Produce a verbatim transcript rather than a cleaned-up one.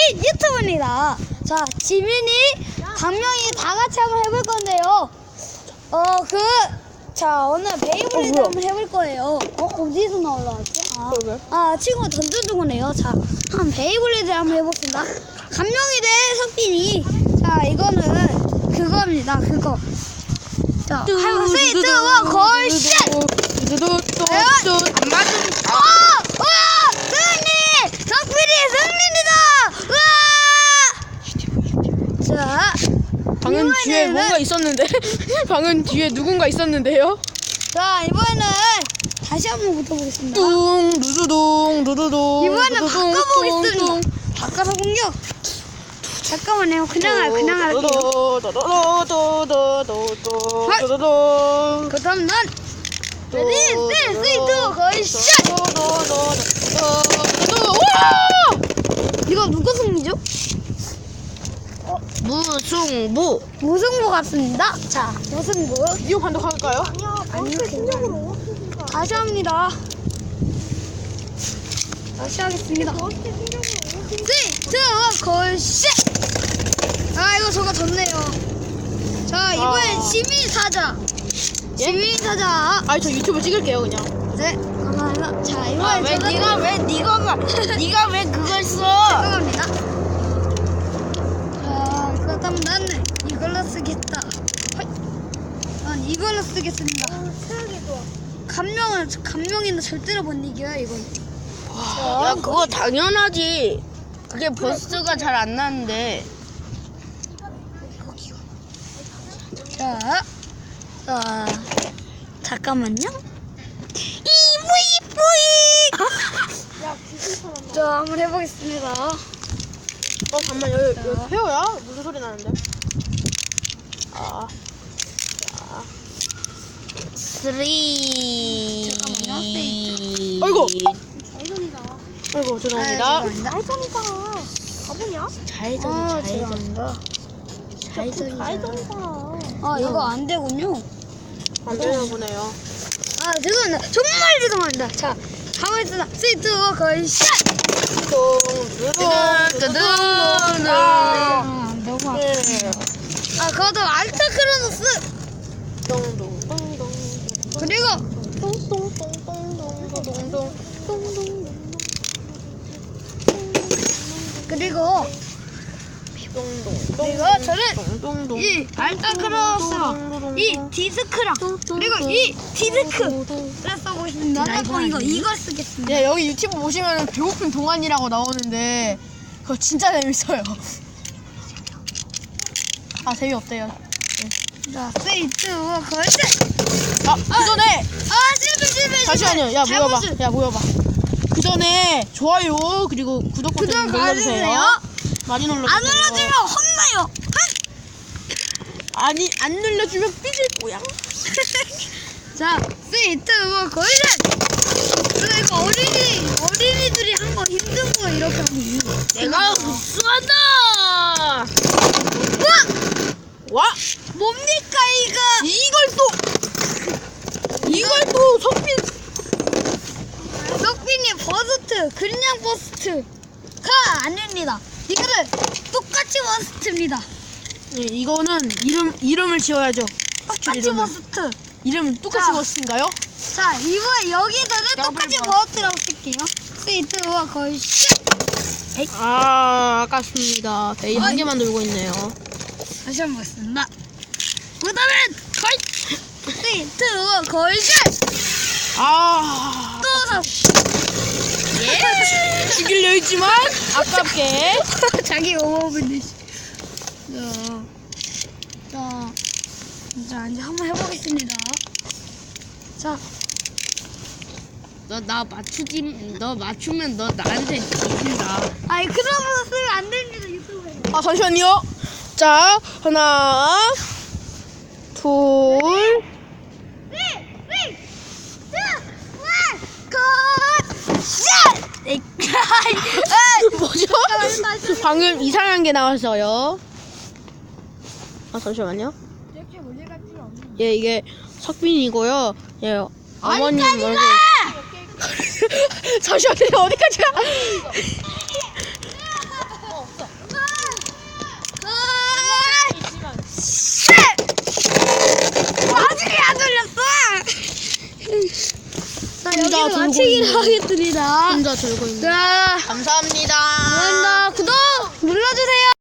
유튜브입니다. 자, 지민이, 강명이 다 같이 한번 해볼 건데요. 어, 그, 자, 오늘 베이블레이드 어, 한번 해볼 거예요. 어, 어디서 나올라왔지? 아, 그러게. 아, 친구가 던져준 거네요. 자, 한 베이블레이드 한번 해봅시다. 강명이 대 석빈이. 자, 이거는 그겁니다. 그거. 자, 하고 세이 투원 걸 쉣! 뚜뚜뚜뚜 안 맞으면 어! 우와! 승리! 석빈이 승리입니다! 우와! 자, 방은 뒤에 이번에는- 뭔가 있었는데 방은 뒤에 누군가 있었는데요. 자, 이번에는 다시 한번 붙어보겠습니다. 뚱 누두둥 누두둥 이번에는 누두둥, 바꿔보겠습니다. 뚱, 뚱. 바꿔서 공격! 잠깐만요. 그냥, 할- 그냥 할게요. 도도도도도도도도도도도도. 그 다음 난! 레디, 셋, 쓰리, 투, 거의 샷! 도도도도도도도도. 와! 이거 누구 승리죠? 무승부. 무승부 같습니다. 자, 무승부. 이거 판독할까요? 아니요, 괜찮아요. 다시 합니다. 다시 하겠습니다. 쓰리, 투, 걸 샷! 아, 이거 저거 졌네요. 자, 이번엔 아. 시민 사자. 예? 시민 사자. 아니 저 유튜브 찍을게요 그냥. 네, 감사합니다. 자, 이번엔 아, 왜 저는 네가 왜 네가 네가 왜 그걸 써? 죄송합니다. 자, 그렇다면 나는 이걸로 쓰겠다. 허이. 난 이걸로 쓰겠습니다. 감명은 감명이는 절대로 못 이겨요, 이거. 야 그거 당연하지. 그게 버스가 잘 안 나는데. 자, 자, 잠깐만요. 이브이브이. 자, 한번 해보겠습니다. 어 잠만 여기 여기 페어야? 무슨 소리 나는데? 아. 자. 쓰리. 잠깐만요. 아이고. 잘전이다. 아이고 죄송합니다. 잘전이다. 가보냐? 잘전 아, 잘전 죄송합니다. 잘전. 아, 이거 안 되군요. 안 되나 보네요. 아, 죄송합니다. 정말 죄송합니다. 자, 가만있어. 쓰리, 투, 거의 샷! 아, 너무 아프다. 아, 그것도 알타 크로노스! 그리고, 그리고, 그리고 저는 이 알타 크로노스랑 이 디스크랑, 그리고 이 디스크를 써보겠습니다. 어, 이거, 이걸 쓰겠습니다. 네, 여기 유튜브 보시면 배고픈 동안이라고 나오는데 그거 진짜 재밌어요. 아 재미없대요. 자, 쓰리, 투, 거의 샷! 아 그 전에 아, 실패, 실패, 실패! 잠시만요. 야 모여봐. 잘못을- 야 모여봐. 그 전에 좋아요 그리고 구독 버튼 구독 눌러주세요. 알려주세요. 많이 눌러주세요. 안 눌러주면 혼나요! 아니 안 눌러주면 삐질 거야. 자, 쓰리, 투, 원, 거의 샷! 근데 이거 어린이, 어린이들이 한 거 힘든 거 이렇게 하면 내가 우승한다. 우와! 와 뭡니까, 이거? 이걸 또 이걸 또 석빈. 석빈이 버스트, 그냥 버스트가 아닙니다. 이거는 똑같이 버스트입니다. 네, 이거는 이름 이름을 지어야죠. 똑같이 이름을. 버스트. 이름은 똑같이 자. 버스인가요? 자, 이번에 여기서는 똑같이 더블 버스트라고 쓸게요. 쓰리, 투, 원, 거의 샷! 아 아깝습니다. 베이 한 개만 들고 있네요. 다시 한번 보겠습니다. 그 다음엔 거의 쓰리, 투, 원, 거의 샷! 아 또 예? 죽이려 했지만 아깝게. 자기 오버분들. 자, 자, 자, 이제 한번 해보겠습니다. 자, 너 나 맞추지 너 맞추면 너 나한테 죽인다. 아이 그러면서 쓰면 안 됩니다 유튜브에. 아 잠시만요. 자 하나 둘. 쓰리, 쓰리, 투, 원, 컷! 샷! 에이, 뭐죠? 다시, 다시. 방금 이상한 게 나왔어요. 아 잠시만요. 역시 문제가 필요 없는. 예 이게 석빈이고요. 예 어머님 얼굴. 잠시만요 어디까지 가? 여기서 들고 마치기로 있는. 하겠습니다. 혼자 들고 있는. 자, 감사합니다. 감사합니다. 구독 눌러주세요.